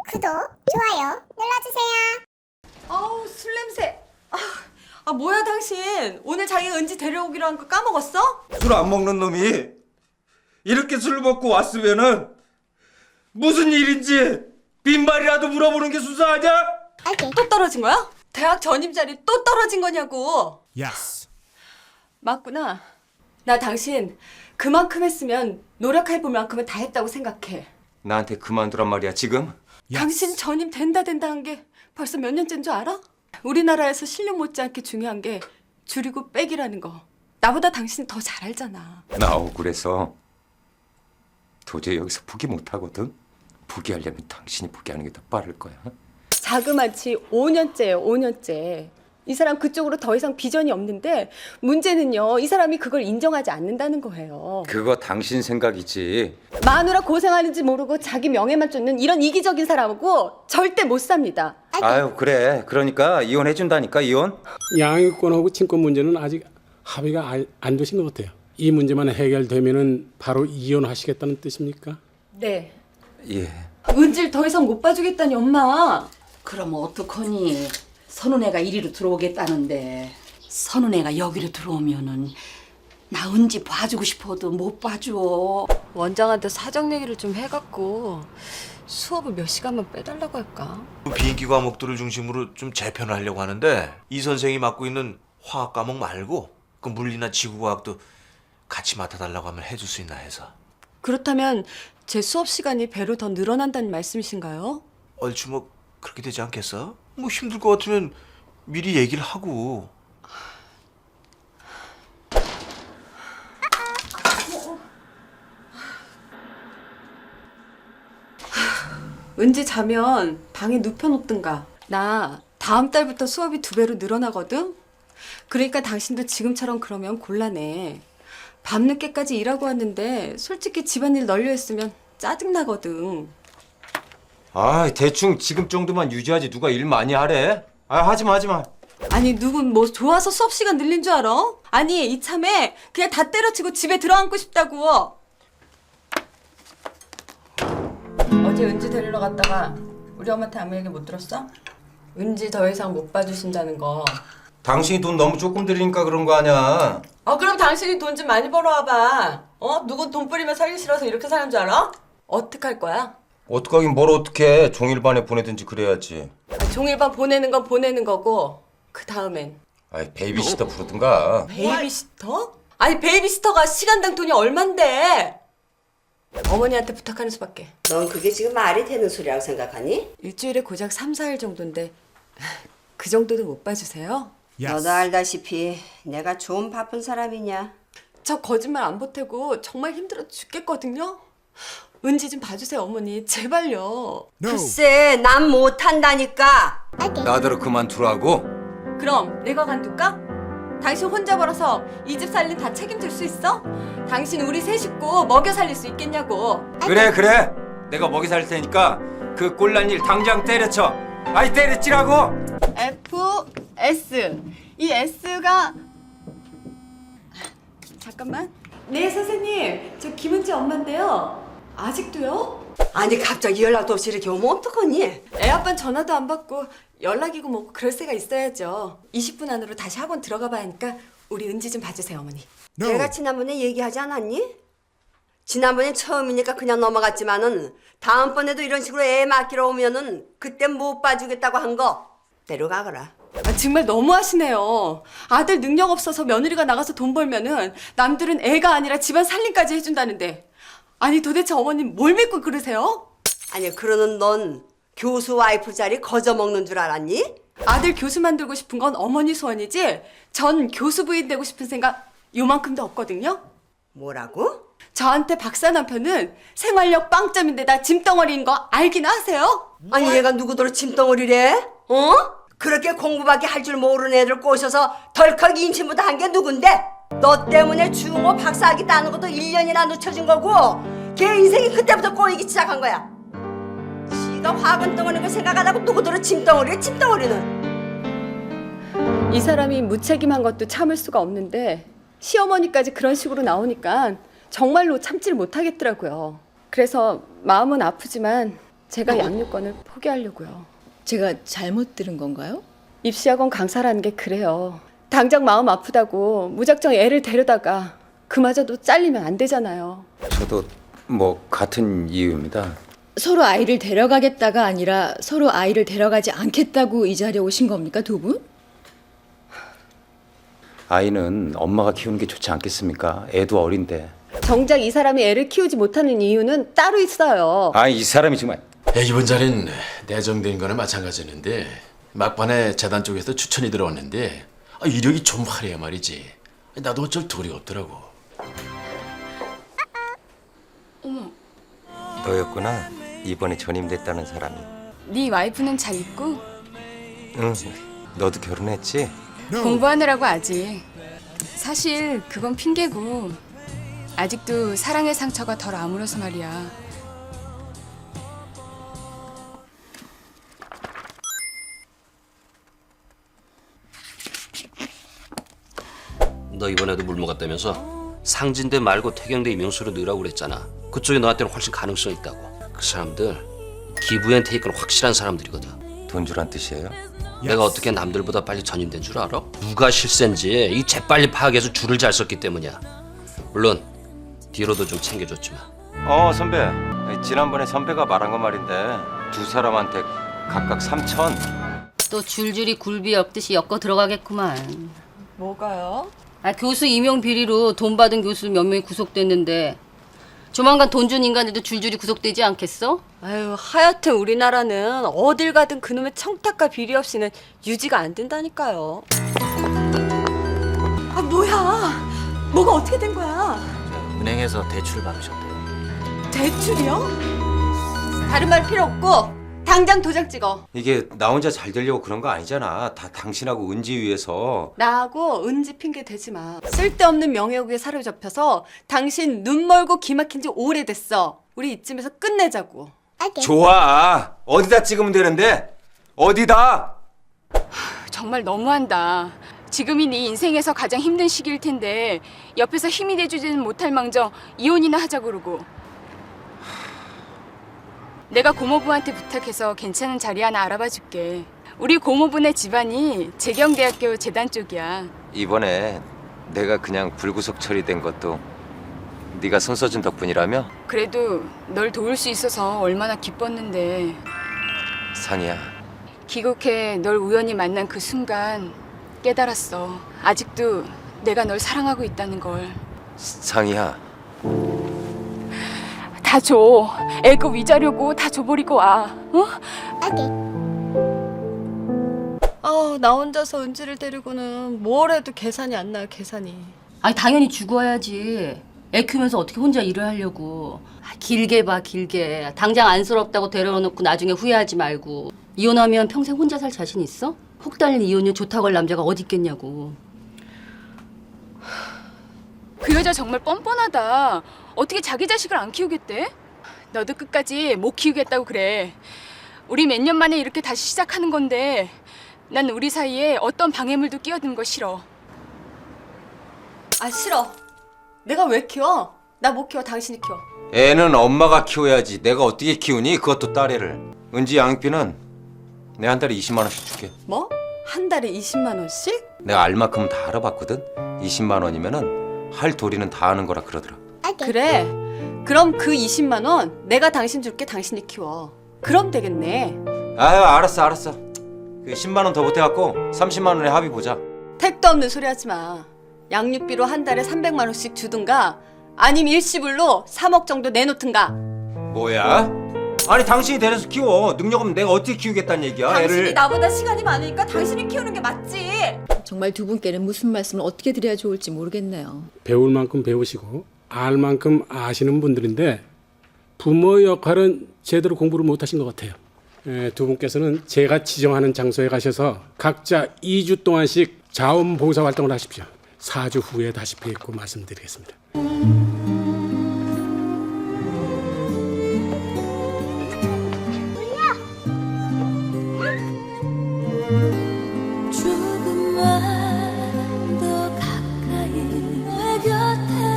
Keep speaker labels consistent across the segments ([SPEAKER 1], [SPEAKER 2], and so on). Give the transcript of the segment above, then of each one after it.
[SPEAKER 1] 구독, 좋아요 눌러주세요.
[SPEAKER 2] 아우 술 냄새. 뭐야 당신 오늘 자기가 은지 데려오기로 한 거 까먹었어?
[SPEAKER 3] 술 안 먹는 놈이 이렇게 술 먹고 왔으면은 무슨 일인지 빈말이라도 물어보는 게 수사하냐?
[SPEAKER 1] 오케이.
[SPEAKER 2] 또 떨어진 거야? 대학 전임 자리 또 떨어진 거냐고.
[SPEAKER 4] Yes.
[SPEAKER 2] 맞구나. 나 당신 그만큼 했으면 노력해볼 만큼은 다 했다고 생각해.
[SPEAKER 3] 나한테 그만두란 말이야 지금?
[SPEAKER 4] Yes.
[SPEAKER 2] 당신 전임 된다 한 게 벌써 몇 년째인 줄 알아? 우리나라에서 실력 못지않게 중요한 게 줄이고 빼기라는 거. 나보다 당신이 더 잘 알잖아.
[SPEAKER 3] 나 억울해서 도저히 여기서 포기 못하거든. 포기하려면 당신이 포기하는 게 더 빠를 거야.
[SPEAKER 2] 자그마치 5년째예요, 5년째. 이 사람 그쪽으로 더 이상 비전이 없는데 문제는요, 이 사람이 그걸 인정하지 않는다는 거예요.
[SPEAKER 3] 그거 당신 생각이지.
[SPEAKER 2] 마누라 고생하는지 모르고 자기 명예만 쫓는 이런 이기적인 사람하고 절대 못 삽니다.
[SPEAKER 3] 아유 그래. 그러니까 이혼해준다니까 이혼.
[SPEAKER 5] 양육권하고 친권 문제는 아직 합의가 안 되신 것 같아요. 이 문제만 해결되면은 바로 이혼하시겠다는 뜻입니까?
[SPEAKER 2] 네.
[SPEAKER 3] 예.
[SPEAKER 2] 은지를 더 이상 못 봐주겠다니 엄마.
[SPEAKER 6] 그럼 어떡하니? 선은애가 이리로 들어오겠다는데 선은애가 여기로 들어오면은 나 은지 봐주고 싶어도 못 봐줘.
[SPEAKER 2] 원장한테 사정 얘기를 좀 해갖고 수업을 몇 시간만 빼달라고 할까?
[SPEAKER 7] 비인기 과목들을 중심으로 좀 재편을 하려고 하는데 이 선생이 맡고 있는 화학 과목 말고 그 물리나 지구과학도 같이 맡아달라고 하면 해줄 수 있나 해서.
[SPEAKER 2] 그렇다면 제 수업 시간이 배로 더 늘어난다는 말씀이신가요?
[SPEAKER 7] 얼추 뭐 그렇게 되지 않겠어? 뭐 힘들 것 같으면 미리 얘기를 하고.
[SPEAKER 2] 은지 자면 방에 눕혀놓든가. 나 다음 달부터 수업이 2배로 늘어나거든? 그러니까 당신도 지금처럼 그러면 곤란해. 밤늦게까지 일하고 왔는데 솔직히 집안일 널려 했으면 짜증나거든.
[SPEAKER 3] 아 대충 지금 정도만 유지하지 누가 일 많이 하래? 아 하지마.
[SPEAKER 2] 아니 누군 뭐 좋아서 수업 시간 늘린 줄 알아? 아니 이참에 그냥 다 때려치고 집에 들어앉고 싶다고. 어제 은지 데리러 갔다가 우리 엄마한테 아무 얘기 못 들었어? 은지 더 이상 못 봐주신다는 거.
[SPEAKER 3] 당신이 돈 너무 조금 들이니까 그런 거 아니야.
[SPEAKER 2] 그럼 당신이 돈 좀 많이 벌어와봐. 누군 돈 뿌리면 살기 싫어서 이렇게 사는 줄 알아? 어떡할 거야?
[SPEAKER 3] 어떡하긴 뭘 어떡해. 종일반에 보내든지 그래야지.
[SPEAKER 2] 종일반 보내는 건 보내는 거고 그 다음엔
[SPEAKER 3] 아이 베이비시터 부르든가.
[SPEAKER 2] 베이비시터? 아니 베이비시터가 시간당 돈이 얼만데? 어머니한테 부탁하는 수밖에.
[SPEAKER 8] 넌 그게 지금 말이 되는 소리라고 생각하니?
[SPEAKER 2] 일주일에 고작 3, 4일 정도인데 그 정도도 못 봐주세요?
[SPEAKER 4] Yes.
[SPEAKER 8] 너도 알다시피 내가 좀 바쁜 사람이냐?
[SPEAKER 2] 저 거짓말 안 보태고 정말 힘들어 죽겠거든요? 은지 좀 봐주세요 어머니 제발요.
[SPEAKER 4] No.
[SPEAKER 8] 글쎄 난 못한다니까.
[SPEAKER 3] 나더러 그만두라고?
[SPEAKER 2] 그럼 내가 관둘까? 당신 혼자 벌어서 이 집 살림 다 책임질 수 있어? 당신 우리 세 식구 먹여 살릴 수 있겠냐고.
[SPEAKER 3] 그래. 내가 먹이 살 테니까 그 꼴난 일 당장 때려쳐. 아이 때려치라고.
[SPEAKER 2] F, S. 이 S가 잠깐만. 네 선생님 저 김은지 엄마인데요. 아직도요?
[SPEAKER 8] 아니 갑자기 연락도 없이 이렇게 오면 어떡하니?
[SPEAKER 2] 애 아빠는 전화도 안 받고 연락이고 뭐고 그럴 새가 있어야죠. 20분 안으로 다시 학원 들어가 봐야 하니까 우리 은지 좀 봐주세요 어머니.
[SPEAKER 4] No.
[SPEAKER 8] 내가 지난번에 얘기하지 않았니? 지난번에 처음이니까 그냥 넘어갔지만은 다음번에도 이런 식으로 애 맡기러 오면은 그때 못 봐주겠다고 한 거 내려가거라.
[SPEAKER 2] 정말 너무하시네요. 아들 능력 없어서 며느리가 나가서 돈 벌면은 남들은 애가 아니라 집안 살림까지 해준다는데 아니 도대체 어머님 뭘 믿고 그러세요?
[SPEAKER 8] 아니 그러는 넌 교수 와이프 자리 거저 먹는 줄 알았니?
[SPEAKER 2] 아들 교수 만들고 싶은 건 어머니 소원이지 전 교수 부인 되고 싶은 생각 요만큼도 없거든요.
[SPEAKER 8] 뭐라고?
[SPEAKER 2] 저한테 박사 남편은 생활력 빵점인데다 짐덩어리인 거 알긴 하세요?
[SPEAKER 8] 아니 얘가 누구더러 짐덩어리래? 어? 그렇게 공부밖에 할 줄 모르는 애들 꼬셔서 덜컥 임신부터 한 게 누군데? 너 때문에 중호 박사학위 따는 것도 1년이나 늦춰진 거고 걔 인생이 그때부터 꼬이기 시작한 거야. 지가 화근 덩어리인 거 생각 안 하고 누구더러 짐덩어리래 짐덩어리는.
[SPEAKER 2] 이 사람이 무책임한 것도 참을 수가 없는데 시어머니까지 그런 식으로 나오니까 정말로 참지를 못하겠더라고요. 그래서 마음은 아프지만 제가 양육권을 포기하려고요.
[SPEAKER 4] 제가 잘못 들은 건가요?
[SPEAKER 2] 입시학원 강사라는 게 그래요. 당장 마음 아프다고 무작정 애를 데려다가 그마저도 잘리면 안 되잖아요.
[SPEAKER 3] 저도 뭐 같은 이유입니다.
[SPEAKER 4] 서로 아이를 데려가겠다가 아니라 서로 아이를 데려가지 않겠다고 이 자리에 오신 겁니까, 두 분?
[SPEAKER 3] 아이는 엄마가 키우는 게 좋지 않겠습니까? 애도 어린데.
[SPEAKER 2] 정작 이 사람이 애를 키우지 못하는 이유는 따로 있어요.
[SPEAKER 3] 이 사람이 정말.
[SPEAKER 9] 이번 자리는 내정된 거나 마찬가지였는데 막판에 재단 쪽에서 추천이 들어왔는데 이력이 좀 화려해 말이지. 나도 어쩔 도리가 없더라고.
[SPEAKER 3] 너였구나. 이번에 전임됐다는 사람이.
[SPEAKER 10] 네 와이프는 잘 있고?
[SPEAKER 3] 응. 너도 결혼했지?
[SPEAKER 10] 공부하느라고 아직. 사실 그건 핑계고 아직도 사랑의 상처가 덜 아물어서 말이야.
[SPEAKER 11] 너 이번에도 물 먹었다면서? 상진대 말고 태경대 임용수로 넣으라고 그랬잖아. 그쪽이 너한테는 훨씬 가능성 있다고. 그 사람들 기브 앤 테이크는 확실한 사람들이거든.
[SPEAKER 3] 돈 주란 뜻이에요?
[SPEAKER 11] 내가 어떻게 남들보다 빨리 전임된 줄 알아? 누가 실세인지 이 재빨리 파악해서 줄을 잘 썼기 때문이야. 물론 뒤로도 좀 챙겨줬지만.
[SPEAKER 3] 선배. 지난번에 선배가 말한 거 말인데 두 사람한테 각각 3천.
[SPEAKER 6] 또 줄줄이 굴비 엮듯이 엮어 들어가겠구만.
[SPEAKER 2] 뭐가요?
[SPEAKER 6] 교수 임용 비리로 돈 받은 교수 몇 명이 구속됐는데 조만간 돈 준 인간들도 줄줄이 구속되지 않겠어?
[SPEAKER 2] 아유, 하여튼 우리나라는 어딜 가든 그놈의 청탁과 비리 없이는 유지가 안 된다니까요. 뭐야? 뭐가 어떻게 된 거야?
[SPEAKER 7] 은행에서 대출을 받으셨대요.
[SPEAKER 2] 대출이요? 다른 말 필요 없고 당장 도장 찍어.
[SPEAKER 3] 이게 나 혼자 잘 되려고 그런 거 아니잖아. 다 당신하고 은지 위해서.
[SPEAKER 2] 나하고 은지 핑계 대지 마. 쓸데없는 명예욕에 사로잡혀서 당신 눈 멀고 귀 막힌 지 오래됐어. 우리 이쯤에서 끝내자고.
[SPEAKER 1] 오케이.
[SPEAKER 3] 좋아. 어디다 찍으면 되는데? 어디다?
[SPEAKER 10] 정말 너무한다. 지금이 네 인생에서 가장 힘든 시기일 텐데 옆에서 힘이 돼주지는 못할 망정 이혼이나 하자 그러고. 내가 고모부한테 부탁해서 괜찮은 자리 하나 알아봐 줄게. 우리 고모부네 집안이 재경대학교 재단 쪽이야.
[SPEAKER 3] 이번에 내가 그냥 불구속 처리된 것도 네가 손 써준 덕분이라며?
[SPEAKER 10] 그래도 널 도울 수 있어서 얼마나 기뻤는데.
[SPEAKER 3] 상이야.
[SPEAKER 10] 귀국해 널 우연히 만난 그 순간 깨달았어. 아직도 내가 널 사랑하고 있다는 걸.
[SPEAKER 3] 상이야.
[SPEAKER 10] 다 줘. 애그 위자료고 다 줘버리고 와. 어?
[SPEAKER 1] 오케이.
[SPEAKER 2] 나 혼자서 은지를 데리고는 뭘 해도 계산이 안 나요, 계산이.
[SPEAKER 6] 당연히 죽어야지. 애 키우면서 어떻게 혼자 일을 하려고. 길게 봐, 길게. 당장 안쓰럽다고 데려놓고 나중에 후회하지 말고. 이혼하면 평생 혼자 살 자신 있어? 혹 달린 이혼녀 좋다고 할 남자가 어디 있겠냐고.
[SPEAKER 10] 그 여자 정말 뻔뻔하다. 어떻게 자기 자식을 안 키우겠대? 너도 끝까지 못 키우겠다고 그래. 우리 몇 년 만에 이렇게 다시 시작하는 건데 난 우리 사이에 어떤 방해물도 끼어드는 거 싫어.
[SPEAKER 2] 싫어. 내가 왜 키워? 나 못 키워, 당신이 키워.
[SPEAKER 3] 애는 엄마가 키워야지. 내가 어떻게 키우니? 그것도 딸애를. 은지 양육비는 내가 한 달에 20만 원씩 줄게.
[SPEAKER 2] 뭐? 한 달에 20만 원씩?
[SPEAKER 3] 내가 알만큼 다 알아봤거든. 20만 원이면은 할 도리는 다 하는 거라 그러더라.
[SPEAKER 1] 오케이.
[SPEAKER 2] 그래. 그럼 그 20만 원 내가 당신 줄게, 당신이 키워. 그럼 되겠네.
[SPEAKER 3] 알았어. 그 10만 원 더 보태갖고 30만 원에 합의 보자.
[SPEAKER 2] 택도 없는 소리 하지 마. 양육비로 한 달에 300만 원씩 주든가 아니면 일시불로 3억 정도 내놓든가.
[SPEAKER 3] 뭐야? 아니 당신이 데려서 키워. 능력 없으면 내가 어떻게 키우겠다는 얘기야.
[SPEAKER 2] 당신이
[SPEAKER 3] 애를.
[SPEAKER 2] 나보다 시간이 많으니까 당신이 키우는 게 맞지.
[SPEAKER 4] 정말 두 분께는 무슨 말씀을 어떻게 드려야 좋을지 모르겠네요.
[SPEAKER 5] 배울 만큼 배우시고 알 만큼 아시는 분들인데 부모 역할은 제대로 공부를 못하신 것 같아요. 두 분께서는 제가 지정하는 장소에 가셔서 각자 2주 동안씩 자원봉사 활동을 하십시오. 4주 후에 다시 뵙고 말씀드리겠습니다.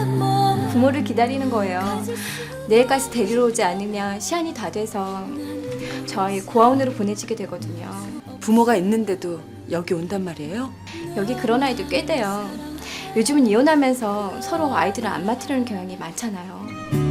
[SPEAKER 12] 부모를 기다리는 거예요. 내일까지 데리러 오지 않으면 시한이 다 돼서 저 아이 고아원으로 보내지게 되거든요.
[SPEAKER 2] 부모가 있는데도 여기 온단 말이에요?
[SPEAKER 12] 여기 그런 아이도 꽤 돼요. 요즘은 이혼하면서 서로 아이들을 안 맡으려는 경향이 많잖아요.